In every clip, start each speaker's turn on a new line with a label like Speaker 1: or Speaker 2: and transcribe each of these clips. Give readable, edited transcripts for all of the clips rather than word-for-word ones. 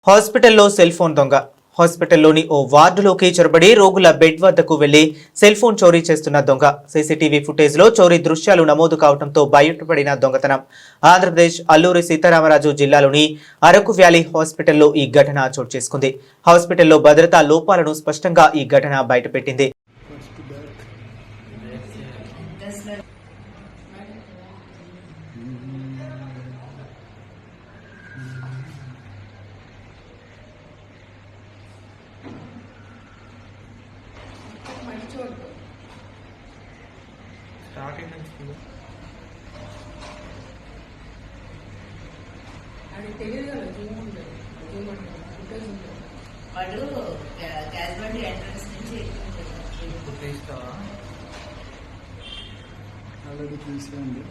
Speaker 1: హాస్పిటల్లో cell phone దొంగ. హాస్పిటల్లోని ఓ వార్డులోకి చొరబడి రోగుల బెడ్ వద్దకు వెళ్లి సెల్ ఫోన్ చోరీ చేస్తున్న దొంగ. సీసీటీవీ ఫుటేజ్ లో చోరీ దృశ్యాలు నమోదు కావడంతో బయటపడిన దొంగతనం. ఆంధ్రప్రదేశ్ అల్లూరి సీతారామరాజు జిల్లాలోని అరకు వ్యాలీ హాస్పిటల్లో ఈ ఘటన చోటు చేసుకుంది. హాస్పిటల్లో భద్రతా లోపాలను స్పష్టంగా ఈ ఘటన బయటపెట్టింది.
Speaker 2: స్టార్టింగ్ నుంచి
Speaker 3: అది తెలియదు కదా జూమ్ ఉంటుంది ఫుటేజ్ ఉంటుంది
Speaker 4: వాడు క్యాజువాలిటీ ఎంట్రన్స్ నుంచి
Speaker 2: తీస్తావా
Speaker 5: ఆల్రెడీ తీసుకుంది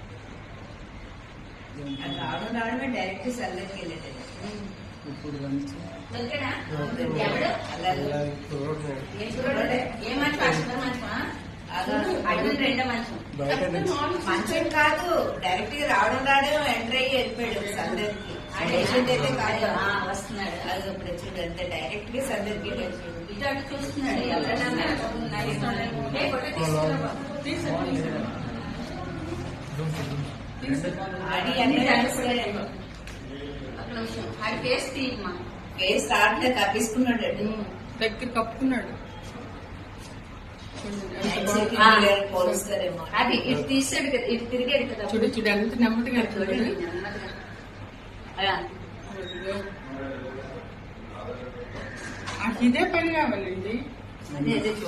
Speaker 4: రావడమే డైరెక్ట్ సెల్ దగ్గరికి వెళ్ళేది.
Speaker 5: ఇప్పుడు లంచ్
Speaker 4: మంచం కాదు, డైరెక్ట్ గా రావడం ఎంటర్ అయ్యి వెళ్ళిపోయాడు సెల్ దగ్గరికి. పేషెంట్ అయితే కాదు వస్తున్నాడు, అది ఇప్పుడు వచ్చాడు అంతే. డైరెక్ట్ గా సెల్ దగ్గరికి వెళ్ళిపోయాడు. ఇటు అటు చూస్తున్నాడు ఎవరైనా కేసు స్టార్ట్ తప్పించుకున్నాడు,
Speaker 3: దగ్గర కప్పుకున్నాడు.
Speaker 4: పోలుస్తారేమో అది ఇటు తీసాడు కదా, ఇటు తిరిగాడు కదా.
Speaker 3: చూడు చూడు ఎంత నెమ్మదిగా ఇదే పని కావాలండి.
Speaker 4: అదే